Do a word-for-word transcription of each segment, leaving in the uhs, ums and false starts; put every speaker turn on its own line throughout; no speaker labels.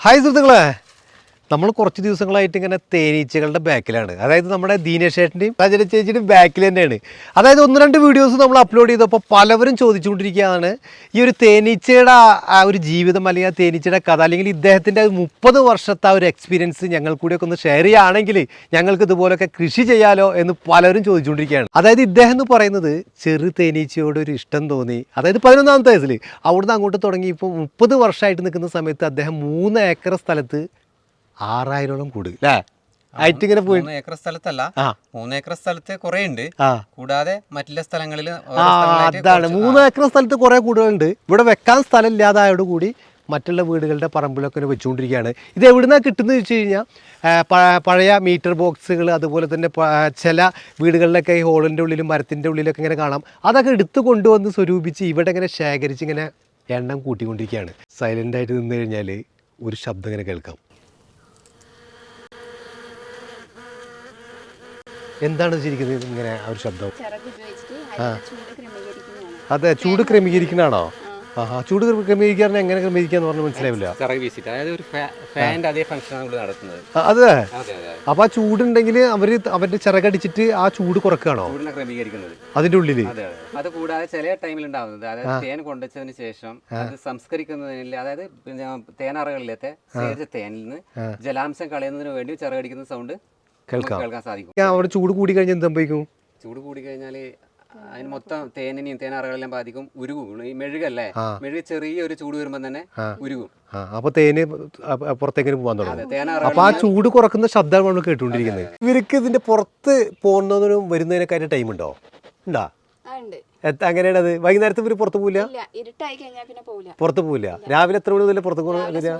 Hi സുഹൃത്തുക്കളെ, നമ്മൾ കുറച്ച് ദിവസങ്ങളായിട്ട് ഇങ്ങനെ തേനീച്ചകളുടെ ബാക്കിലാണ്. അതായത് നമ്മുടെ ദീനേഷേട്ടൻ്റെയും സജന ചേച്ചിയുടെയും ബാക്കിൽ തന്നെയാണ്. അതായത് ഒന്ന് രണ്ട് വീഡിയോസ് നമ്മൾ അപ്ലോഡ് ചെയ്തപ്പോൾ പലവരും ചോദിച്ചുകൊണ്ടിരിക്കുകയാണ് ഈ ഒരു തേനീച്ചയുടെ ആ ഒരു ജീവിതം, അല്ലെങ്കിൽ ആ തേനീച്ചയുടെ കഥ, അല്ലെങ്കിൽ ഇദ്ദേഹത്തിൻ്റെ മുപ്പത് വർഷത്തെ ആ ഒരു എക്സ്പീരിയൻസ് ഞങ്ങൾ കൂടിയൊക്കെ ഒന്ന് ഷെയർ ചെയ്യുകയാണെങ്കിൽ ഞങ്ങൾക്ക് ഇതുപോലൊക്കെ കൃഷി ചെയ്യാലോ എന്ന് പലരും ചോദിച്ചുകൊണ്ടിരിക്കുകയാണ്. അതായത് ഇദ്ദേഹം എന്ന് പറയുന്നത് ചെറു തേനീച്ചയോട് ഒരു ഇഷ്ടം തോന്നി, അതായത് പതിനൊന്നാമത്തെ വയസ്സിൽ അവിടുന്ന് അങ്ങോട്ട് തുടങ്ങി ഇപ്പോൾ മുപ്പത് വർഷമായിട്ട് നിൽക്കുന്ന സമയത്ത് അദ്ദേഹം മൂന്ന് ഏക്കർ സ്ഥലത്ത് ആറായിരോളം കൂട് അല്ലേ ആയിട്ട് ഇങ്ങനെ പോയി.
ഏക്കർ സ്ഥലത്തല്ല, മൂന്ന് ഏക്കർ സ്ഥലത്ത് കുറെ ഉണ്ട്,
ആ
കൂടാതെ മറ്റുള്ള സ്ഥലങ്ങളിൽ
അതാണ് മൂന്ന് ഏക്കർ സ്ഥലത്ത് കുറെ കൂടുകളുണ്ട്. ഇവിടെ വെക്കാൻ സ്ഥലം ഇല്ലാതായോട് കൂടി മറ്റുള്ള വീടുകളുടെ പറമ്പിലൊക്കെ വെച്ചുകൊണ്ടിരിക്കുകയാണ്. ഇത് എവിടുന്നാണ് കിട്ടുന്നത് വെച്ച് കഴിഞ്ഞാൽ പഴയ മീറ്റർ ബോക്സുകൾ, അതുപോലെ തന്നെ ചില വീടുകളിലൊക്കെ ഈ ഹോളിൻ്റെ ഉള്ളിലും മരത്തിൻ്റെ ഉള്ളിലൊക്കെ ഇങ്ങനെ കാണാം. അതൊക്കെ എടുത്തു കൊണ്ടുവന്ന് സ്വരൂപിച്ച് ഇവിടെ ഇങ്ങനെ ശേഖരിച്ച് ഇങ്ങനെ എണ്ണം കൂട്ടിക്കൊണ്ടിരിക്കുകയാണ്. സൈലൻ്റായിട്ട് നിന്ന് കഴിഞ്ഞാൽ ഒരു ശബ്ദം ഇങ്ങനെ കേൾക്കാം. എന്താണ് ശരിക്കുന്നത് ഇങ്ങനെ ആ ഒരു ശബ്ദം? ആ അതെ, ചൂട് ക്രമീകരിക്കുന്നതാണോ? ആഹാ, ചൂട് ക്രമീകരിക്കാൻ എങ്ങനെ ക്രമീകരിക്കാന്ന് പറഞ്ഞാൽ മനസ്സിലാവില്ല. അതെ, അപ്പൊ ആ ചൂടുണ്ടെങ്കിൽ അവര് അവരുടെ ചിറകടിച്ചിട്ട് ആ ചൂട് കുറക്കുകയാണോ അതിന്റെ ഉള്ളില്?
അത് കൂടാതെ ചില ടൈമിൽ ഉണ്ടാവുന്നത്, അതായത് തേൻ കൊണ്ടുവച്ചതിന് ശേഷം അത് സംസ്കരിക്കുന്നതിന്, അതായത് തേനറകളിലത്തെ ശേഖരിച്ച തേനിൽ നിന്ന് ജലാംശം കളയുന്നതിന് വേണ്ടി ചിറകടിക്കുന്ന സൗണ്ട് കേൾക്കാൻ സാധിക്കും.
അവിടെ ചൂട് കൂടി കഴിഞ്ഞാൽ എന്ത് സംഭവിക്കും?
ചൂട് കൂടി കഴിഞ്ഞാല് അതിന് മൊത്തം തേനിനെയും തേനറകളെല്ലാം ബാധിക്കും, ഉരുകും. ഈ മെഴുകല്ലേ, മെഴുക് ചെറിയ ഒരു ചൂട് വരുമ്പോൾ തന്നെ ഉരുകും.
അപ്പൊ തേന് പുറത്തേക്ക് പോകാൻ തുടങ്ങും. അപ്പൊ ആ ചൂട് കുറക്കുന്ന ശബ്ദമാണ് നമ്മൾ കേട്ടുകൊണ്ടിരിക്കുന്നത്. ഇവർക്ക് ഇതിന്റെ പുറത്ത് പോകുന്നതിനും വരുന്നതിനൊക്കെ അതിന്റെ ടൈം ഉണ്ടോ? ഉണ്ടാ അങ്ങനെയാണ് അത്. വൈകുന്നേരത്ത് ഇവര് പുറത്ത് പോവില്ല, പുറത്ത് പോവില്ല. രാവിലെ എത്ര മണി മുതൽ പുറത്ത്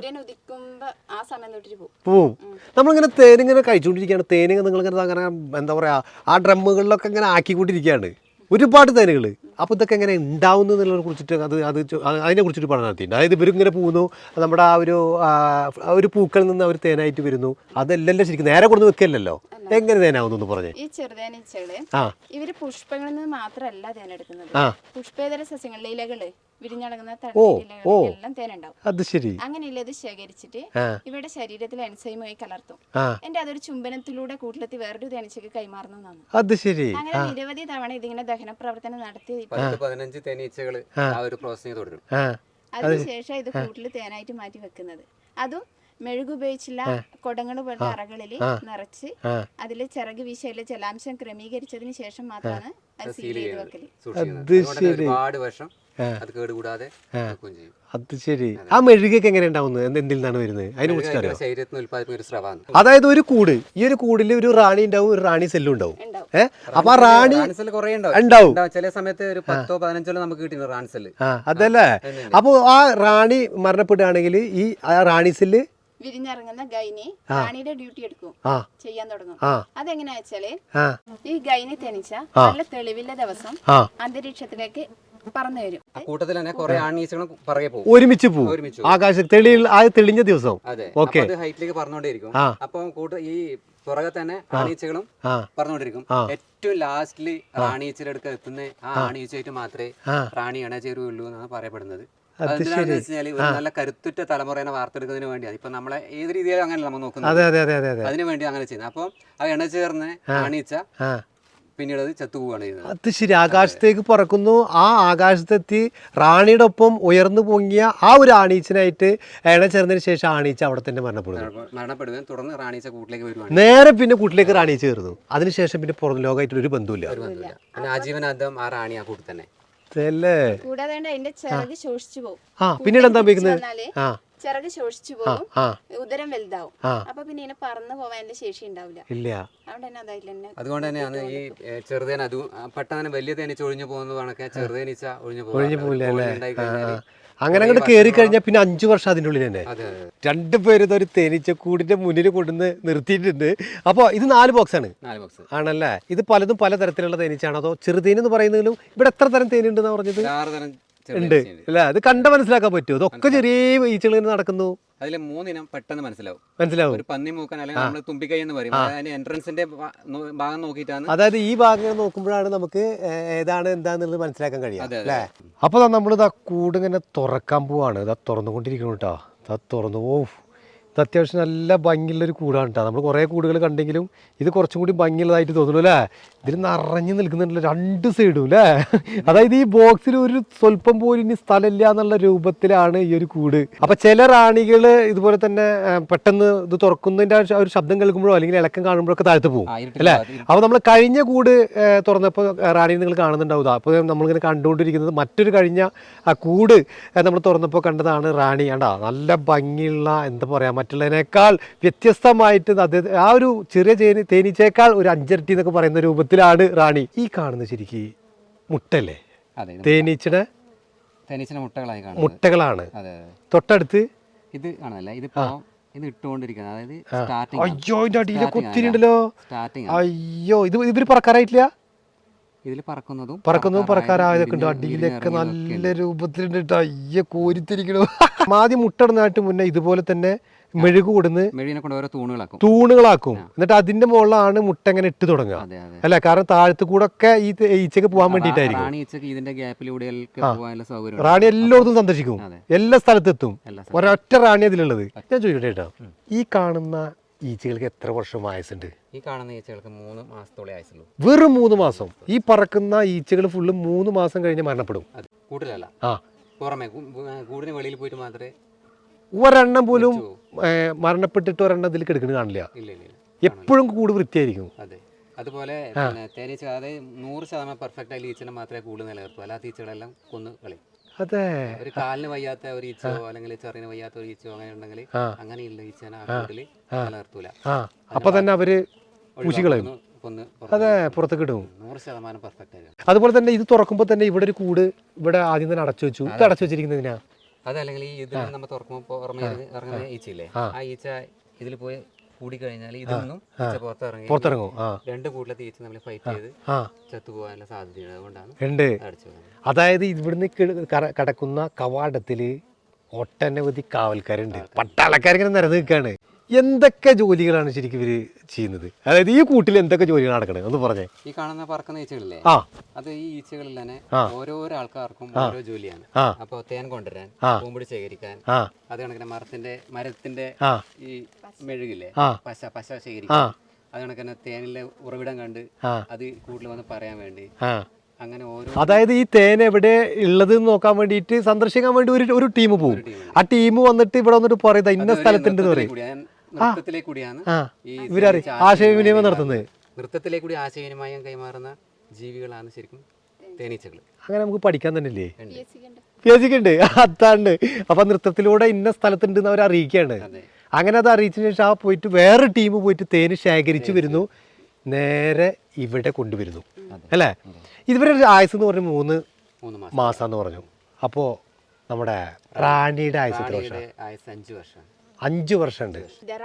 പോവും? നമ്മളിങ്ങനെ തേനിങ്ങനെ കഴിച്ചുകൊണ്ടിരിക്കുകയാണ്. തേനിങ്ങനെ നിങ്ങളിങ്ങനെ അങ്ങനെ എന്താ പറയാ, ആ ഡ്രമ്മുകളിലൊക്കെ ഇങ്ങനെ ആക്കിക്കൊണ്ടിരിക്കുകയാണ് ഒരുപാട് തേനുകൾ. അപ്പോൾ ഇതൊക്കെ എങ്ങനെ ഉണ്ടാവുന്നു എന്നുള്ളതിനെ കുറിച്ചിട്ട് അത് അത് അതിനെ കുറിച്ചൊരു പഠനം നടത്തിയിട്ടുണ്ട്. അതായത് ഇവരിങ്ങനെ പോകുന്നു, നമ്മുടെ ആ ഒരു ഒരു പൂക്കളിൽ നിന്ന് അവർ തേനായിട്ട് വരുന്നു. അതല്ലല്ലോ ശരിക്കും നേരെ കൊടുത്ത് വെക്കല്ലോ, എങ്ങനെ തേനാവുന്നു പറഞ്ഞേ.
ഈ ചെറുതേനീച്ചകള് ഇവര് പുഷ്പങ്ങളിൽ നിന്ന് മാത്രമല്ല തേനെടുക്കുന്നത്, പുഷ്പേതര സസ്യങ്ങളിലെ ഇലകള് വിരിഞ്ഞടങ്ങുന്ന തടിയിലെല്ലാം തേനുണ്ടാവും.
അത് ശരി.
അങ്ങനെയുള്ള ഇത് ശേഖരിച്ചിട്ട് ഇവരുടെ ശരീരത്തിൽ എൻസൈമുമായി കലർത്തും. എന്റെ അതൊരു ചുംബനത്തിലൂടെ കൂട്ടിലെത്തി വേറൊരു തേനീച്ചക്ക് കൈമാറുന്നതാണ്.
അത് ശരി.
അങ്ങനെ നിരവധി തവണ ഇതിങ്ങനെ ദഹന പ്രവർത്തനം നടത്തി
പതിനഞ്ച് തേനീച്ചകൾ ആ ഒരു പ്രോസസ്സിംഗ് തുടരും.
അതിനുശേഷം ഇത് കൂട്ടിൽ തേനായിട്ട് മാറ്റി വെക്കുന്നത്. അതും മെഴുകുപയോഗിച്ചുള്ള കൊടങ്ങൾ പോലത്തെ അറകളിൽ നിറച്ച് അതിൽ ചിറക് വീശയില് ജലാംശം ക്രമീകരിച്ചതിന് ശേഷം മാത്രമാണ് അത് സീൽ ചെയ്ത് വെക്കല്.
ഒരുപാട് വർഷം അത് കേടുകൂടാതെ.
അത് ശരി. ആ മെഴുകൊക്കെ എങ്ങനെ ഉണ്ടാവുന്നത്, എന്തിൽ നിന്നാണ് വരുന്നത്, അതിനെ കുറിച്ച്
ശരീരത്തിൽ ഉൽപ്പാദിപ്പിക്കുന്ന ഒരു സ്രവമാണ്.
അതായത് ഒരു കൂട്, ഈ ഒരു കൂടിൽ ഒരു റാണി ഉണ്ടാവും, ഒരു റാണി സെല്ലും ഉണ്ടാവും. ഏഹ് അപ്പൊ ആ റാണി ഉണ്ടാവും.
ചില സമയത്ത് ഒരു പത്തോ പതിനഞ്ചോ നമുക്ക് കിട്ടിയിരുന്നു റാണി സെല്ല്.
അതല്ലേ. അപ്പൊ ആ റാണി മരണപ്പെടുകയാണെങ്കിൽ ഈ റാണി സെല്ല്
വിരിഞ്ഞിറങ്ങുന്ന ഗൈനി റാണിയുടെ ഡ്യൂട്ടി എടുക്കും, ചെയ്യാൻ തുടങ്ങും. അതെങ്ങനെയാ വെച്ചാല് ഈ ഗൈനി തേനീച്ച നല്ല തെളിവില്ല ദിവസം അന്തരീക്ഷത്തിലേക്ക് പറന്നു വരും.
കൂട്ടത്തിൽ തന്നെ കുറെ ആണീച്ചകളും പറയെ പോകും,
ഒരുമിച്ച് പോകും. ആകാശം തെളിഞ്ഞ ദിവസം
ഹൈറ്റിലേക്ക് പറന്നുകൊണ്ടേയിരിക്കും. അപ്പം കൂട്ട ഈ പുറകെ തന്നെ ആണീച്ചകളും പറഞ്ഞുകൊണ്ടിരിക്കും. ഏറ്റവും ലാസ്റ്റില് റാണീച്ചയുടെ അടുക്ക എത്തുന്ന ആ ആണീച്ചയായിട്ട് മാത്രമേ റാണി ഇണ ചേരുകയുള്ളൂ എന്നാണ് പറയപ്പെടുന്നത്. അതെന്താണെന്ന് വെച്ചാൽ ഒരു നല്ല കരുത്തുറ്റ തലമുറയെ വാർത്തെടുക്കുന്നതിന് വേണ്ടിയാണ്. ഇപ്പൊ നമ്മളെ ഏത് രീതിയിലും അങ്ങനെ നമ്മൾ നോക്കുന്നത്, അതിനു വേണ്ടി അങ്ങനെ ചെയ്യുന്നത്. അപ്പം ആ ഇണ ചേർന്ന് ആണീച്ച പിന്നീട് അത് ചത്തുപോവാണ് ചെയ്യുന്നത്.
അത് ശരി. ആകാശത്തേക്ക് പറക്കുന്നു. ആ ആകാശത്തെത്തി റാണിയുടെ ഒപ്പം ഉയർന്നു പൊങ്ങിയ ആ ഒരു ആണീച്ചനായിട്ട് ഇണ ചേർന്നതിന് ശേഷം ആണീച്ച അവിടെ തന്നെ മരണപ്പെടുന്നു
മരണപ്പെടുകയും തുടർന്ന് റാണീച്ച കൂട്ടിലേക്ക് വരുവാണ്.
നേരെ പിന്നെ കൂട്ടിലേക്ക് റാണീച്ച ചേർന്നു. അതിനുശേഷം പിന്നെ പുറം ലോകമായിട്ട് ഒരു ബന്ധമില്ല.
ആജീവനാന്തം ആ റാണി ആ കൂട്ടി തന്നെ.
കൂടാതെ അതിന്റെ ചിറക് ശോഷിച്ചു പോകും.
പിന്നീട് എന്താ
ചിറക് ശോഷിച്ചു പോകും, ഉദരം വലുതാവും. അപ്പൊ പിന്നെ ഇതിനെ പറന്നു പോവാൻ ശേഷി ഉണ്ടാവില്ല.
അതുകൊണ്ട് തന്നെയാണ് ഈ ചെറുതേന അത് പെട്ടെന്ന് വലിയ തേനീച്ച ഒഴിഞ്ഞു പോകുന്നതാണൊക്കെ ചെറുതേനീച്ച ഒഴിഞ്ഞു പോകും.
അങ്ങനെ അങ്ങോട്ട് കയറി കഴിഞ്ഞാൽ പിന്നെ അഞ്ചു വർഷം അതിൻ്റെ ഉള്ളിൽ തന്നെ. രണ്ടുപേരും ഒരു തേനീച്ചക്കൂടിന്റെ മുന്നിൽ കൊണ്ടുവന്ന് നിർത്തിയിട്ടുണ്ട്. അപ്പോൾ ഇത് നാല് ബോക്സ് ആണ് ആണല്ലേ. ഇത് പലതും പല തരത്തിലുള്ള തേനീച്ചാണ്, അതോ ചെറുതേനെന്ന് പറയുന്നതിലും ഇവിടെ എത്ര തരം തേനുണ്ടെന്നാ പറഞ്ഞത്? ഉണ്ട് അല്ലേ. അത് കണ്ട മനസ്സിലാക്കാൻ പറ്റുമോ? ഇതൊക്കെ ചെറിയ ഈച്ചകൾ നടക്കുന്നു.
അതിലെ മൂന്നിനം പെട്ടെന്ന് മനസ്സിലാവും.
മനസ്സിലാവും.
ഒരു പന്നി മൂക്കൻ അല്ലെങ്കിൽ നമ്മൾ തുമ്പിക്കൈ എന്ന് പറയും. അതിന്റെ എൻട്രൻസിന്റെ ഭാഗം നോക്കിയിട്ടാണ്,
അതായത് ഈ ഭാഗം നോക്കുമ്പോഴാണ് നമുക്ക് ഏതാണ് എന്താന്നുള്ളത് മനസ്സിലാക്കാൻ കഴിയും അല്ലേ. അപ്പൊ നമ്മളിത് ആ കൂട് ഇങ്ങനെ തുറക്കാൻ പോവാണ്. ഇതാ തുറന്നുകൊണ്ടിരിക്കണം കേട്ടോ. ഇതാ തുറന്നു. ഓ ഇത് അത്യാവശ്യം നല്ല ഭംഗിയുള്ളൊരു കൂടാണ് കേട്ടോ. നമ്മൾ കുറേ കൂടുകൾ കണ്ടെങ്കിലും ഇത് കുറച്ചും കൂടി ഭംഗിയുള്ളതായിട്ട് തോന്നുന്നു അല്ലേ. ഇതിൽ നിറഞ്ഞു നിൽക്കുന്നുണ്ടല്ലോ രണ്ട് സൈഡും അല്ലേ. അതായത് ഈ ബോക്സിൽ ഒരു സ്വല്പം പോലും ഇനി സ്ഥലമില്ല എന്നുള്ള രൂപത്തിലാണ് ഈ ഒരു കൂട്. അപ്പം ചില റാണികൾ ഇതുപോലെ തന്നെ പെട്ടെന്ന് ഇത് തുറക്കുന്നതിൻ്റെ ഒരു ശബ്ദം കേൾക്കുമ്പോഴോ അല്ലെങ്കിൽ ഇളക്കം കാണുമ്പോഴൊക്കെ താഴ്ത്തു പോകും അല്ലേ. അപ്പോൾ നമ്മൾ കഴിഞ്ഞ കൂട് തുറന്നപ്പോൾ റാണി നിങ്ങൾ കാണുന്നുണ്ടാവുക. അപ്പോൾ നമ്മളിങ്ങനെ കണ്ടുകൊണ്ടിരിക്കുന്നത് മറ്റൊരു കഴിഞ്ഞ ആ കൂട് നമ്മൾ തുറന്നപ്പോൾ കണ്ടതാണ് റാണി. കണ്ടാ നല്ല ഭംഗിയുള്ള എന്താ പറയുക മറ്റുള്ളതിനേക്കാൾ വ്യത്യസ്തമായിട്ട് അത് ആ ഒരു ചെറിയ തേനി തേനീച്ചയേക്കാൾ ഒരു അഞ്ചരട്ടി എന്നൊക്കെ പറയുന്ന രൂപത്തിലാണ് റാണി. ഈ കാണുന്നത് ശരിക്കും മുട്ടല്ലേ? തേനീച്ചയുടെ
തേനീച്ചയുടെ മുട്ടകളായി
മുട്ടകളാണ്. തൊട്ടടുത്ത്
ഇത് കാണുന്നല്ല, ഇതിപ്പോ ഇത് ഇട്ടുകൊണ്ടിരിക്കുന്നത്. അതായത് സ്റ്റാർട്ടിങ്.
അയ്യോ ഇതിന്റെ അടിയിലൊക്കെ ഒത്തിരി ഉണ്ടല്ലോ.
സ്റ്റാർട്ടിങ്.
അയ്യോ ഇത് ഇവര് പറക്കാറായിട്ടില്ല.
ഇതിൽ പറക്കുന്നതും
പറക്കുന്നതും പറക്കാറായതൊക്കെ ഉണ്ട്. അടിയിലൊക്കെ നല്ല രൂപത്തിലുണ്ട്. അയ്യ കോരിത്തിരിക്കണോ. ആദ്യം മുട്ടടുന്നതായിട്ട് മുന്നേ ഇതുപോലെ തന്നെ മെഴുകു കൊടുന്ന്
മെഴുകിനെ കൊണ്ട് ഓരോ തൂണുകളാക്കും
തൂണുകളാക്കും എന്നിട്ട് അതിന്റെ മുകളിലാണ് മുട്ട ഇങ്ങനെ ഇട്ട് തുടങ്ങുക അല്ല. കാരണം താഴത്ത് കൂടെ ഒക്കെ ഈ ഈച്ചക്ക് പോകാൻ വേണ്ടിയിട്ടായിരിക്കും. റാണി എല്ലായിടത്തും സന്ദർശിക്കും, എല്ലാ സ്ഥലത്തെത്തും. ഒരൊറ്റ റാണി അതിലുള്ളത്. ഞാൻ ചോദിക്കട്ടെ കേട്ടോ, ഈ കാണുന്ന ഈച്ചകൾക്ക് എത്ര വർഷം ആയുസുണ്ട്?
ഈ കാണുന്ന ഈച്ചകൾക്ക് മൂന്ന് മാസത്തോളം ആയുസുള്ളൂ.
വെറും മൂന്ന് മാസം. ഈ പറക്കുന്ന ഈച്ചകൾ ഫുള്ള് മൂന്ന് മാസം കഴിഞ്ഞ് മരണപ്പെടും.
കൂട്ടിലല്ല,
ആ
പുറമെ കൂടിന് വെളിയിൽ പോയിട്ട് മാത്രമേ.
ഒരെണ്ണം പോലും മരണപ്പെട്ടിട്ട് ഒരെണ്ണം ഇതിൽ കിടക്കുന്നത് കാണില്ല. എപ്പോഴും കൂട് വൃത്തിയായിരിക്കും.
അതെ. അതുപോലെ തേനീച്ച അതായത് നൂറ് ശതമാനം പെർഫെക്റ്റ് ആയി ഈച്ചനെ മാത്രമേ കൂട് നിലനിർത്തൂ. അല്ലാത്ത ഈച്ചകളെല്ലാം കൊന്ന് കളയും.
അതെ.
ഒരു കാലിന് വയ്യാത്ത ഒരു ഈച്ചയോ അല്ലെങ്കിൽ ചെറിന് വയ്യാത്ത ഒരു ഈച്ചയോ അങ്ങനെ ഉണ്ടെങ്കിൽ അങ്ങനെയുള്ള ഈച്ചനെ ആ കൂട്ടിൽ നിലനിർത്തൂല.
അപ്പൊ തന്നെ അവര് പൂശികളയും. അതെ, പുറത്തേക്ക് ഇടും.
നൂറ് ശതമാനം പെർഫെക്റ്റ് ആയി.
അതുപോലെ തന്നെ ഇത് തുറക്കുമ്പോൾ തന്നെ ഇവിടെ ഒരു കൂട് ഇവിടെ ആദ്യം തന്നെ അടച്ചു വെച്ചു. ഇത് അടച്ചു വെച്ചിരിക്കുന്നതിനാ
അതല്ലെങ്കിൽ ഈ ഇതിൽ നമ്മൾ തുറക്കുമ്പോൾ പുറമെ ഇറങ്ങുന്ന ഈച്ചയില്ലേ, ആ ഈച്ച ഇതിൽ പോയി കൂടി കഴിഞ്ഞാൽ ഇതിൽ പുറത്തിറങ്ങി പുറത്തിറങ്ങും. രണ്ട് കൂട്ടിലത്തെ ഈച്ച നമ്മൾ ഫൈറ്റ് ചെയ്ത് ചത്തുപോകാനുള്ള സാധ്യതയുണ്ട്. അതുകൊണ്ടാണ് അടച്ചു.
അതായത് ഇവിടുന്ന് കടക്കുന്ന കവാടത്തില് ഒട്ടനവധി കാവൽക്കാരുണ്ട്, പട്ടാളക്കാരിങ്ങനെ നിരന്ന് നിൽക്കാണ്. എന്തൊക്കെ ജോലികളാണ് ശരിക്കും ഇവര് ചെയ്യുന്നത്? അതായത് ഈ കൂട്ടിൽ എന്തൊക്കെ ജോലികൾ നടക്കണത് ഒന്ന് പറഞ്ഞേ.
ഈ കാണുന്ന പറക്കുന്ന ഈച്ചകളില്ലേ, അത് ഈ ഈച്ചകളിൽ തന്നെ ഓരോരോ ആൾക്കാർക്കും ഓരോ ജോലിയാണ്. അപ്പൊ തേൻ കൊണ്ടുവരാൻ, പൂമ്പൊടി ശേഖരിക്കാൻ, അത് കണക്കിന് മരത്തിന്റെ മരത്തിന്റെ ഈ മെഴുകില്ലേ പശ പശ ശേഖരിക്കാൻ, അത് കണക്കിന് തേനിലെ ഉറവിടം കണ്ട് അത് കൂട്ടിൽ വന്ന് പറയാൻ വേണ്ടി, അങ്ങനെ ഓരോ. അതായത്
ഈ തേൻ എവിടെ ഉള്ളത് നോക്കാൻ വേണ്ടിയിട്ട് സന്ദർശിക്കാൻ വേണ്ടി ഒരു ഒരു ടീം പോകും. ആ ടീം വന്നിട്ട് ഇവിടെ വന്നിട്ട് പറയുന്നത് ഇന്ന സ്ഥലത്തുണ്ട് എന്ന് പറയും.
നൃത്തത്തിലെ കൂടിയാണ് ഈ
ആശയവിനിമയം നടത്തുന്നത്.
നൃത്തത്തിലെ കൂടി ആശയവിനിമയം കൈമാറുന്ന ജീവികളാണ് ശരിക്കും തേനീച്ചകൾ.
അങ്ങനെ നമുക്ക് പഠിക്കാൻ തന്നെ ഇല്ലേ? പേജിക്കുണ്ട്, അതാണ്. അപ്പൊ നൃത്തത്തിലൂടെ ഇന്ന സ്ഥലത്തുണ്ട് എന്ന് അവർ അറിയിക്കുകയാണ്. അങ്ങനെ അത് അറിയിച്ചതിന് ശേഷം ആ പോയിട്ട് വേറെ ടീം പോയിട്ട് തേന് ശേഖരിച്ചു വരുന്നു, നേരെ ഇവിടെ കൊണ്ടുവരുന്നു അല്ലേ. ഇതുവരെ ആയുസ് എന്ന് പറഞ്ഞു മൂന്ന് മാസം എന്ന് പറഞ്ഞു. അപ്പോ നമ്മുടെ റാണിയുടെ ആയുസ് എത്ര വർഷം?
അഞ്ചു വർഷം.
അഞ്ചു വർഷം ഉണ്ട്.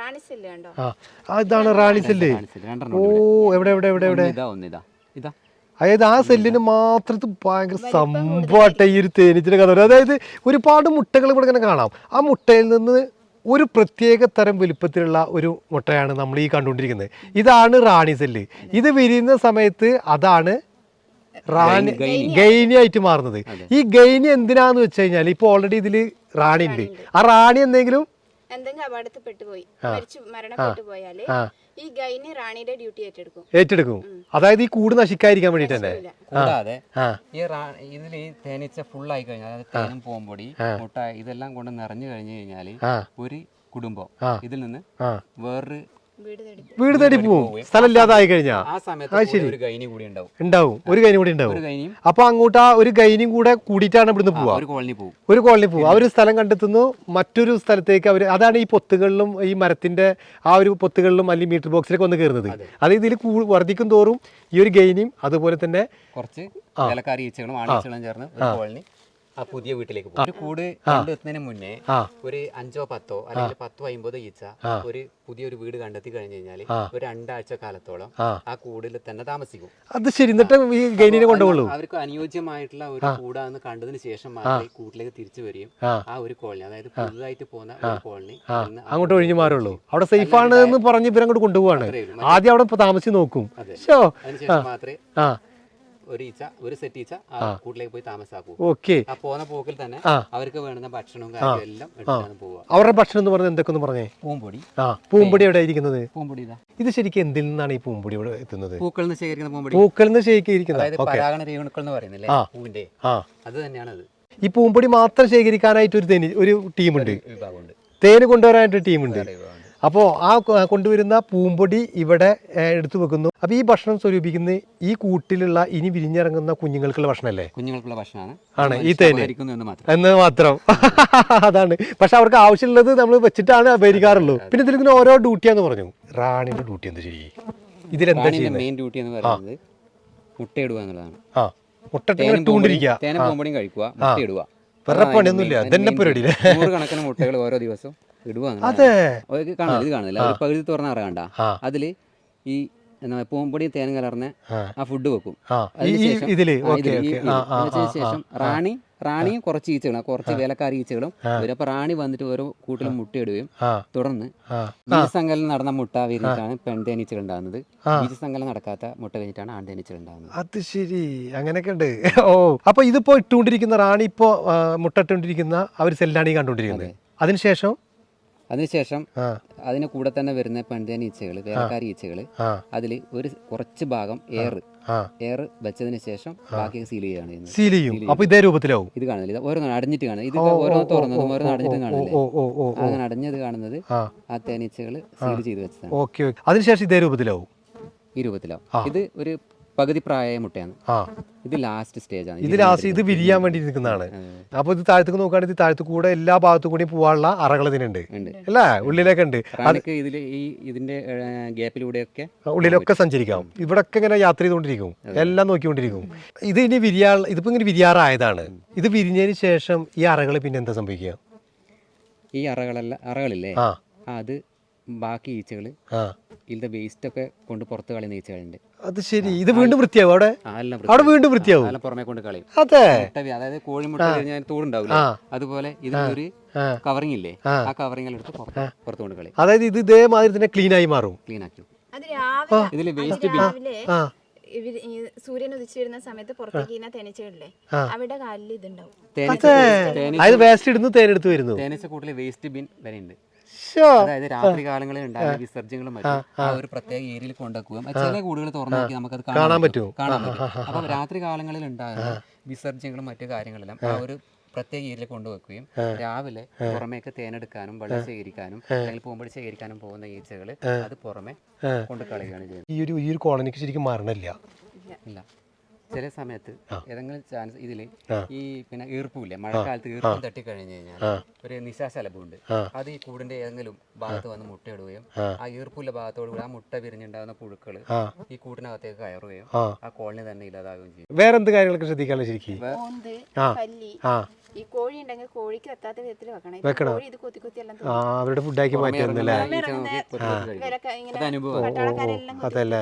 ആ ഇതാണ് റാണി സെല്ല്. ഓ എവിടെ എവിടെ എവിടെ എവിടെ അതായത് ആ സെല്ലിന് മാത്രം ഭയങ്കര സംഭവട്ടെ ഈ ഒരു തേനീച്ചിന്റെ കഥ. അതായത് ഒരുപാട് മുട്ടകൾ ഇവിടെ ഇങ്ങനെ കാണാം. ആ മുട്ടയിൽ നിന്ന് ഒരു പ്രത്യേക തരം വലുപ്പത്തിലുള്ള ഒരു മുട്ടയാണ് നമ്മൾ ഈ കണ്ടുകൊണ്ടിരിക്കുന്നത്. ഇതാണ് റാണി സെല്ല്. ഇത് വിരിയുന്ന സമയത്ത് അതാണ് റാണി ഗൈനി ആയിട്ട് മാറുന്നത്. ഈ ഗൈനി എന്തിനാന്ന് വെച്ച് കഴിഞ്ഞാൽ ഇപ്പൊ ഓൾറെഡി ഇതില് റാണി ഉണ്ട്. ആ റാണി എന്തെങ്കിലും
എന്തെങ്കിലും അപകടത്തിൽപ്പെട്ടു പോയി മരിച്ചു മരണപ്പെട്ടു പോയാല് ഈ ഗൈനി റാണിയുടെ ഡ്യൂട്ടി ഏറ്റെടുക്കും
ഏറ്റെടുക്കും അതായത് ഈ കൂട് നശിക്കാതിരിക്കാൻ വേണ്ടിട്ട് തന്നെ.
കൂടാതെ ഈ ഇതിൽ ഈ തേനീച്ച ഫുൾ ആയി കഴിഞ്ഞാൽ അതായത് തേനും പൂമ്പൊടി മുട്ട ഇതെല്ലാം കൊണ്ട് നിറഞ്ഞു കഴിഞ്ഞു കഴിഞ്ഞാല് ഒരു കുടുംബം ഇതിൽ നിന്ന് വേറൊരു
വീട് തേടി പോവും, സ്ഥലമില്ലാതായി കഴിഞ്ഞാൽ.
ആ സമയത്ത് ഒരു ഗൈനി കൂടി ഉണ്ടാവും
ഉണ്ടാവും ഒരു ഗൈനി കൂടി ഉണ്ടാവും. അപ്പൊ അങ്ങോട്ട് ആ ഒരു ഗൈനിയും കൂടെ കൂടിയിട്ടാണ് ഇവിടുന്ന് പോവാ.
ഒരു കോളനി പോകും
ഒരു കോളനി പോകും. അവർ സ്ഥലം കണ്ടെത്തുന്നു, മറ്റൊരു സ്ഥലത്തേക്ക് അവർ. അതാണ് ഈ പൊത്തുകളിലും ഈ മരത്തിന്റെ ആ ഒരു പൊത്തുകളിലും അല്ലെങ്കിൽ മീറ്റർ ബോക്സിലേക്ക് വന്ന് കയറുന്നത്. അത് ഇതിൽ വർദ്ധിക്കും തോറും ഈ ഒരു ഗൈനിയും അതുപോലെ തന്നെ
കുറച്ച് ഇലക്കാരി ഈച്ചകളും ആണീച്ചകളും ചേർന്ന് ഒരു കോളനി ആ പുതിയ വീട്ടിലേക്ക് പോകും. ഒരു കൂട് കണ്ടെത്തുന്നതിന് മുന്നേ ഒരു അഞ്ചോ പത്തോ അല്ലെങ്കിൽ പത്തോ അമ്പതോ ഈച്ച ഒരു പുതിയൊരു വീട് കണ്ടെത്തി കഴിഞ്ഞു കഴിഞ്ഞാൽ ഒരു രണ്ടാഴ്ച കാലത്തോളം ആ കൂടിൽ തന്നെ താമസിക്കും.
അത് ശരി. എന്നിട്ട് ഈ ഗൈനിനെ കൊണ്ടുപോകുള്ളൂ.
അവർക്ക് അനുയോജ്യമായിട്ടുള്ള ഒരു കൂടാന്ന് കണ്ടതിന് ശേഷം മാത്രമേ കൂട്ടിലേക്ക് തിരിച്ചു വരികയും ആ ഒരു കോളനി അതായത് പുതുതായിട്ട് പോകുന്ന ഒരു കോളനി
അങ്ങോട്ട് ഒഴിഞ്ഞു മാറുള്ളൂ. അവിടെ സേഫ് ആണ് എന്ന് പറഞ്ഞ് ഇവരങ്ങോട്ട് കൊണ്ടുപോവാണ്. ആദ്യം അവിടെ താമസിച്ച് നോക്കും.
അതിനുശേഷം മാത്രമേ ഒരു ഈച്ച ഒരു സെറ്റ് ഈച്ച ആ കൂട്ടിലേക്ക് പോയി താമസാക്കും.
ഓക്കെ.
ആ പോകുന്ന പോക്കിൽ തന്നെ അവർക്ക് വേണ്ടുന്ന ഭക്ഷണവും കാര്യങ്ങളും എല്ലാം എടുത്താണ് പോവുക.
അവരുടെ ഭക്ഷണം എന്ന് പറഞ്ഞാൽ എന്തൊക്കെ പറഞ്ഞേ?
പൂമ്പൊടി.
ആ പൂമ്പൊടി എവിടെ ഇരിക്കുന്നത്?
പൂമ്പൊടി ഇതാ.
ഇത് ശരിക്കും എന്തിൽ നിന്നാണ് ഈ പൂമ്പൊടി ഇവിടെ എത്തുന്നത്?
പൂക്കളിൽ നിന്ന് ശേഖരിക്കുന്ന പൂമ്പൊടി.
പൂക്കളിൽ നിന്ന് ശേഖരിക്കുന്നത്.
അതായത് പരാഗണ രേണുക്കൾ എന്ന് പറയുന്നില്ലേ പൂവിന്റെ, അത് തന്നെയാണ് അത്.
ഈ പൂമ്പൊടി മാത്രം ശേഖരിക്കാനായിട്ട് ഒരു തേനി ഒരു ടീമുണ്ട്,
വിഭാഗമുണ്ട്.
തേന് കൊണ്ടുവരാനായിട്ട് ടീമുണ്ട്. അപ്പോൾ ആ കൊണ്ടുവരുന്ന പൂമ്പൊടി ഇവിടെ എടുത്തു വെക്കുന്നു. അപ്പോൾ ഈ ഭക്ഷണം സ്വരൂപിക്കുന്ന ഈ കൂട്ടിലുള്ള ഇനി വിരിഞ്ഞിറങ്ങുന്ന കുഞ്ഞുങ്ങൾക്കുള്ള ഭക്ഷണമല്ലേ?
കുഞ്ഞുങ്ങൾക്കുള്ള ഭക്ഷണമാണ് ആണ്
ഈ തേന് എന്ന് മാത്രം. അതാണ്. പക്ഷെ അവർക്ക് ആവശ്യമുള്ളത് നമ്മൾ വെച്ചിട്ടാണ് ഉപകരിക്കാറുള്ളൂ. പിന്നെ ഇതിൽ ഓരോ ഡ്യൂട്ടിയാന്ന് പറഞ്ഞു. റാണിന്റെ ഡ്യൂട്ടി എന്താ ശരി? ഇതിലെന്താ
മെയിൻ ഡ്യൂട്ടി എന്ന് പറയുന്നത് മുട്ടയിടുക എന്നുള്ളതാണ്.
ആ മുട്ടയിട്ടുകൊണ്ടിരിക്കുക,
തേനും പൂമ്പൊടിയും കഴിക്കുക, മുട്ടയിടുക.
വേറെ പണിയൊന്നുമില്ല. ഇതന്നെ പരിപാടിയില്ലേ?
നൂറുകണക്കിന് മുട്ടകൾ ഓരോ ദിവസവും ഇടുക.
അതെ.
കാണുന്നില്ല, ഇത് കാണുന്നില്ല, ഒരു പകുതി തുറന്ന അറ കണ്ട, അതില് ഈ പൂമ്പൊടിയും തേനും കലർന്ന് ആ ഫുഡ് വെക്കും. അതിനുശേഷം റാണി റാണിയും കുറച്ച് ഈച്ചകളും കുറച്ച് വേലക്കാരി ഈച്ചകളും വരും. അപ്പൊ റാണി വന്നിട്ട് ഓരോ കൂട്ടിലും മുട്ടയിടുകയും തുടർന്ന് ബീജസങ്കലനം നടന്ന മുട്ട വിരിഞ്ഞിട്ടാണ് പെൺതേനീച്ചകൾ ഉണ്ടാകുന്നത്. ബീജസങ്കലനം നടക്കാത്ത മുട്ട വിരിഞ്ഞിട്ടാണ് ആൺതേനീച്ചകൾ ഉണ്ടാകുന്നത്.
അത് ശരി, അങ്ങനെയൊക്കെ ഉണ്ട്. ഓ, അപ്പൊ ഇതിപ്പോ ഇട്ടുകൊണ്ടിരിക്കുന്ന റാണി ഇപ്പോ മുട്ട ഇട്ടുകൊണ്ടിരിക്കുന്ന അവർ സെല്ലാണ് ഈ കണ്ടുകൊണ്ടിരിക്കുന്നത്. അതിനുശേഷം
അതിനുശേഷം അതിന് കൂടെ തന്നെ വരുന്ന പെൺതേനീച്ചകൾ വേലക്കാരി ഈച്ചകൾ അതിൽ ഒരു കുറച്ച് ഭാഗം എയർ എയർ വെച്ചതിന് ശേഷം ബാക്കി സീൽ ചെയ്യുകയാണ് ചെയ്യുന്നത്.
സീൽ ചെയ്യും. അപ്പൊ ഇതേ രൂപത്തിലാവും.
ഇത് കാണുന്നില്ല, ഓരോന്നും അടഞ്ഞിട്ട് കാണുന്നത്. ഇത് ഓരോ തുറന്നതും ഓരോന്നും അടഞ്ഞിട്ടും കാണില്ലേ? അങ്ങനെ അടഞ്ഞത് കാണുന്നത് ആ തേനീച്ചകൾ സീൽ ചെയ്ത് വെച്ചതാണ്.
ഓക്കെ. അതിനുശേഷം ഇതേ രൂപത്തിലാവും.
ഈ രൂപത്തിലാവും. ഇത് ഒരു പകുതി പ്രായമായ മുട്ടയാണ്. ഇത് ലാസ്റ്റ് സ്റ്റേജ് ആണ്.
ഇത് ലാസ്റ്റ് ഇത് വിരിയാൻ വേണ്ടി നിൽക്കുന്നതാണ്. അപ്പൊ ഇത് താഴത്തേക്ക് നോക്കുകയാണെങ്കിൽ ഇത് താഴത്തു കൂടെ എല്ലാ ഭാഗത്തു കൂടി പോകാനുള്ള അറകൾ ഇതിനുണ്ട് അല്ലേ? ഉള്ളിലൊക്കെ ഉണ്ട്.
ഇതില് ഈ ഇതിന്റെ ഗ്യാപ്പിലൂടെയൊക്കെ
ഉള്ളിലൊക്കെ സഞ്ചരിക്കാം. ഇവിടെ ഒക്കെ ഇങ്ങനെ യാത്ര ചെയ്തുകൊണ്ടിരിക്കും, എല്ലാം നോക്കിക്കൊണ്ടിരിക്കും. ഇത് ഇനി വിരിയാ ഇതിപ്പോ ഇങ്ങനെ വിരിയാറായതാണ്. ഇത് വിരിഞ്ഞതിന് ശേഷം ഈ അറകൾ പിന്നെ എന്താ സംഭവിക്കുക?
ഈ അറകളല്ല അറകളില്ലേ, അത് ബാക്കി ഈച്ചകള് ഇതിന്റെ വേസ്റ്റ് ഒക്കെ കൊണ്ട് പുറത്ത് കളയുന്ന ഈച്ചകളുണ്ട്.
അത് ശരി. ഇത് വീണ്ടും വൃത്തിയാവും. അവിടെ അവിടെ വീണ്ടും വൃത്തിയാവും.
പുറമെ കൊണ്ട് കളയും.
അതെ.
അതായത് കോഴിമുട്ട കഴിഞ്ഞാൽ തോടുണ്ടാവില്ല, അതുപോലെ ഇതിലൊരു കവറിംഗ് ഇല്ലേ, ആ കവറിംഗ് എടുത്ത് പുറത്ത് കൊണ്ട് കളയും.
അതായത് ഇത് ഇതേമാതിരി തന്നെ ക്ലീൻ ആയി മാറും.
ക്ലീൻ ആക്കി.
ഇതില് വേസ്റ്റ് സൂര്യൻ ഉദിച്ചു വരുന്ന സമയത്ത് പുറത്തേക്ക് തേനീച്ചകളില്ലേ, അവിടെ കാലിൽ ഇതുണ്ടാവും.
അതായത് വേസ്റ്റ് ഇടുന്നു, തേനെടുത്ത് വരുന്നു.
തേനീച്ച കൂട്ടില് വേസ്റ്റ് ബിൻ വരെ ഉണ്ട്. അതായത് രാത്രി കാലങ്ങളിൽ ഉണ്ടായ വിസർജ്യങ്ങളും മറ്റും ആ ഒരു പ്രത്യേക ഏരിയയിൽ കൊണ്ടുവെക്കുകയും ചില കൂടുകൾ തുറന്നു നോക്കി നമുക്കത് കാണാൻ പറ്റും കാണാൻ പറ്റും അപ്പൊ രാത്രി കാലങ്ങളിൽ ഉണ്ടാകുന്ന വിസർജ്യങ്ങളും മറ്റു കാര്യങ്ങളെല്ലാം ആ ഒരു പ്രത്യേക ഏരിയയിൽ കൊണ്ടുവെക്കുകയും രാവിലെ പുറമേക്ക് തേനെടുക്കാനും വെള്ളം ശേഖരിക്കാനും അല്ലെങ്കിൽ പൂമ്പൊടി ശേഖരിക്കാനും പോകുന്ന ഈച്ചകൾ അത് പുറമെ കൊണ്ടു കളയുകയാണ് ചെയ്യുന്നത്.
ഈ ഒരു ഈ ഒരു കോളനിക്ക് ശരിക്കും മാറണില്ല.
ഇല്ല, ചില സമയത്ത് ഏതെങ്കിലും ചാൻസ് ഇതില് ഈ പിന്നെ ഈർപ്പില്ലേ, മഴക്കാലത്ത് ഈർപ്പം തട്ടി കഴിഞ്ഞു കഴിഞ്ഞാൽ ഒരു നിശാശലഭമുണ്ട്, അത് ഈ കൂടിന്റെ ഏതെങ്കിലും ഭാഗത്ത് വന്ന് മുട്ടയിടുകയും ആ ഈർപ്പുള്ള ഭാഗത്തോട് കൂടി ആ മുട്ട വിരിഞ്ഞുണ്ടാകുന്ന പുഴുക്കള് ഈ കൂട്ടിനകത്തേക്ക് കയറുകയും ആ കോളനി തന്നെ ഇല്ലാതാവുകയും ചെയ്യും.
വേറെ എന്ത് കാര്യങ്ങളൊക്കെ ശ്രദ്ധിക്കാനുള്ള ശരിക്കും?
ഈ കോഴി ഉണ്ടെങ്കിൽ കോഴിക്ക് എത്താത്ത വിധത്തിൽ
വെക്കണം.
ഇത് കൊത്തി കൊത്തി എല്ലാം
അവരുടെ ഫുഡാക്കി മാറ്റുന്നല്ലേ?
അതല്ലേ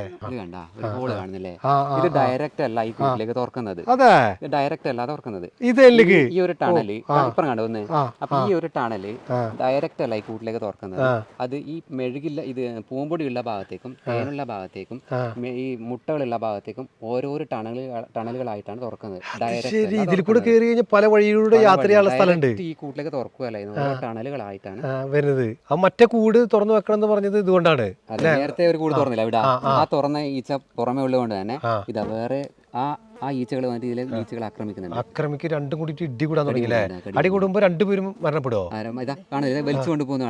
ഇത് ഡയറക്റ്റ് അല്ല ഈ കൂട്ടിലേക്ക് തുറക്കുന്നത്. ഡയറക്റ്റ് അല്ല തുറക്കുന്നത്. ഈ ഒരു ടണല് ഇപ്പം കണ്ടു. അപ്പൊ ഈ ഒരു ടണല് ഡയറക്റ്റ് അല്ല ഈ കൂട്ടിലേക്ക് തുറക്കുന്നത്. അത് ഈ മെഴുകില്ല ഇത് പൂമ്പൊടിയുള്ള ഭാഗത്തേക്കും തേനുള്ള ഭാഗത്തേക്കും ഈ മുട്ടകളുള്ള ഭാഗത്തേക്കും ഓരോരോ ടണലുകൾ ടണലുകളായിട്ടാണ് തുറക്കുന്നത്.
ഡയറക്റ്റ് പല വഴിയിലൂടെ യാത്ര ചെയ്യാനുള്ള സ്ഥലമുണ്ട്.
ഈ കൂട്ടിലേക്ക് തുറക്കുകയല്ല, ടണലുകളായിട്ടാണ്
വരുന്നത്. ആ മറ്റേ കൂട് തുറന്നു വെക്കണം എന്ന് പറഞ്ഞത് ഇതുകൊണ്ടാണ്.
നേരത്തെ ഒരു കൂട് തുറന്നില്ല, ഇവിടെ ആ തുറന്ന ഈച്ച പുറമെ ഉള്ളത് തന്നെ ഇതാ വേറെ ആ ആ ഈച്ചകൾ വന്നിട്ട് ഇതിലെ ഈച്ചകൾ ആക്രമിക്കുന്നുണ്ട്.
ആക്രമിക്ക് രണ്ടും കൂടിയിട്ട് ഇടി കൂടാൻ തുടങ്ങിയില്ലേ? അടി കൂടുമ്പോ രണ്ടുപേരും മരണപ്പെടുവോ?
വലിച്ചു കൊണ്ടുപോകുന്ന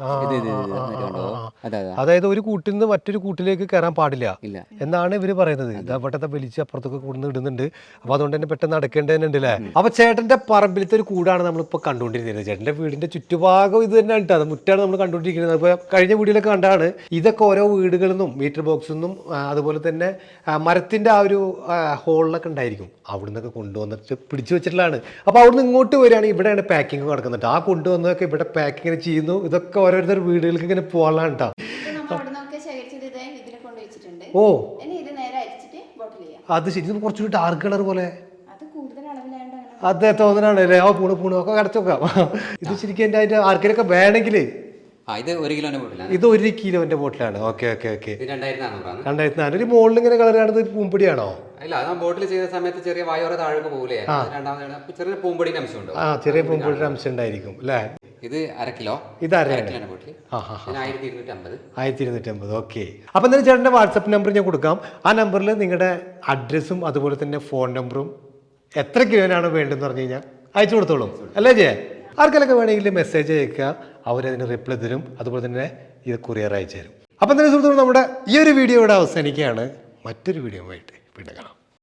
അതായത് ഒരു കൂട്ടിൽ നിന്ന് മറ്റൊരു കൂട്ടിലേക്ക് കയറാൻ പാടില്ല എന്നാണ് ഇവര് പറയുന്നത്. ഇതവിടത്തെ വലിച്ച് അപ്പുറത്തൊക്കെ കൂടുന്ന ഇടുന്നുണ്ട്. അപ്പൊ അതുകൊണ്ട് തന്നെ പെട്ടെന്ന് നടക്കേണ്ടതുണ്ട് അല്ലേ? അപ്പൊ ചേട്ടന്റെ പറമ്പിലത്തെ ഒരു കൂടാണ് നമ്മളിപ്പോ കണ്ടുകൊണ്ടിരിക്കുന്നത്. ചേട്ടന്റെ വീടിന്റെ ചുറ്റുഭാഗം ഇത് തന്നെ ഉണ്ട്, അത് മുറ്റാണ് നമ്മൾ കണ്ടുകൊണ്ടിരിക്കുന്നത്. അപ്പൊ കഴിഞ്ഞ വീഡിയോയിലൊക്കെ കണ്ടാണ് ഇതൊക്കെ ഓരോ വീടുകളിൽ നിന്നും മീറ്റർ ബോക്സിൽ നിന്നും അതുപോലെ തന്നെ മരത്തിന്റെ ആ ഒരു ഹോളിലൊക്കെ ഉണ്ടായിരിക്കും, അവിടെ നിന്നൊക്കെ കൊണ്ടുവന്നിട്ട് പിടിച്ചു വെച്ചിട്ടുള്ളതാണ്. അപ്പോൾ അവിടുന്ന് ഇങ്ങോട്ട് വരികയാണെങ്കിൽ ഇവിടെയാണ് പാക്കിങ് നടക്കുന്നുണ്ട്. ആ കൊണ്ടുവന്നതൊക്കെ ഇവിടെ പാക്കിങ് ചെയ്യുന്നു. ഇതൊക്കെ ഓരോരുത്തർ വീടുകൾക്ക് ഇങ്ങനെ പോകാനാണ് കേട്ടോ. ഓ അത് ശരി, കുറച്ചുകൂടി ഡാർക്ക് കളർ പോലെ അതെ തോന്നണാണ് അല്ലേ? ആ പൂണ് പൂണ് ഒക്കെ കടച്ചു വെക്കാം. ഇത് ശരിക്കും എൻ്റെ അതിൻ്റെ ആർക്കെങ്കിലൊക്കെ വേണമെങ്കിൽ
ആ ഇത് ഒരു കിലോന്റെ ബോട്ടിലാണ്.
ഇത് ഒരു കിലോന്റെ ബോട്ടിലാണ്. Okay okay okay.
ഇത് രണ്ടായിരത്തി നാനൂറാണ്.
രണ്ടായിരത്തി നാനൂറ്. മുകളിൽ ഇങ്ങനെ കളർ കാണുന്നത് പൂമ്പൊടിയാണോ?
അല്ല, അത് ബോട്ടിൽ ചെയ്ത സമയത്ത് ചെറിയ വായോറ താഴേക്ക് പോകില്ലേ, രണ്ടാമത് ചെറിയ പൂമ്പൊടിയുടെ അംശം ഉണ്ട്.
ആ, ചെറിയ പൂമ്പൊടിയുടെ അംശം ഉണ്ടായിരിക്കും അല്ലേ?
ഇത് അര കിലോ.
ഇത് അര
കിലോന്റെ ബോട്ടിൽ ആയിരത്തി ഇരുന്നൂറ്റി അമ്പത്.
ആയിരത്തി ഇരുന്നൂറ്റി അമ്പത്. ഓക്കെ. അപ്പം എന്തായാലും ചേട്ടൻ്റെ വാട്സപ്പ് നമ്പർ ഞാൻ കൊടുക്കാം. ആ നമ്പറിൽ നിങ്ങളുടെ അഡ്രസ്സും അതുപോലെ തന്നെ ഫോൺ നമ്പറും എത്ര കിലോനാണ് വേണ്ടതെന്ന് പറഞ്ഞു കഴിഞ്ഞാൽ അയച്ചു കൊടുത്തോളൂ അല്ലേ ജയ? ആർക്കെല്ലാം വേണമെങ്കിൽ മെസ്സേജ് അയക്കുക, അവരതിന് റിപ്ലൈ തരും. അതുപോലെ തന്നെ ഇത് കൊറിയർ അയച്ചു തരും. അപ്പം തന്നെ സുഹൃത്തുക്കൾ, നമ്മുടെ ഈ ഒരു വീഡിയോ ഇവിടെ അവസാനിക്കുകയാണ്. മറ്റൊരു വീഡിയോ ആയിട്ട് വീണ്ടും കാണാം.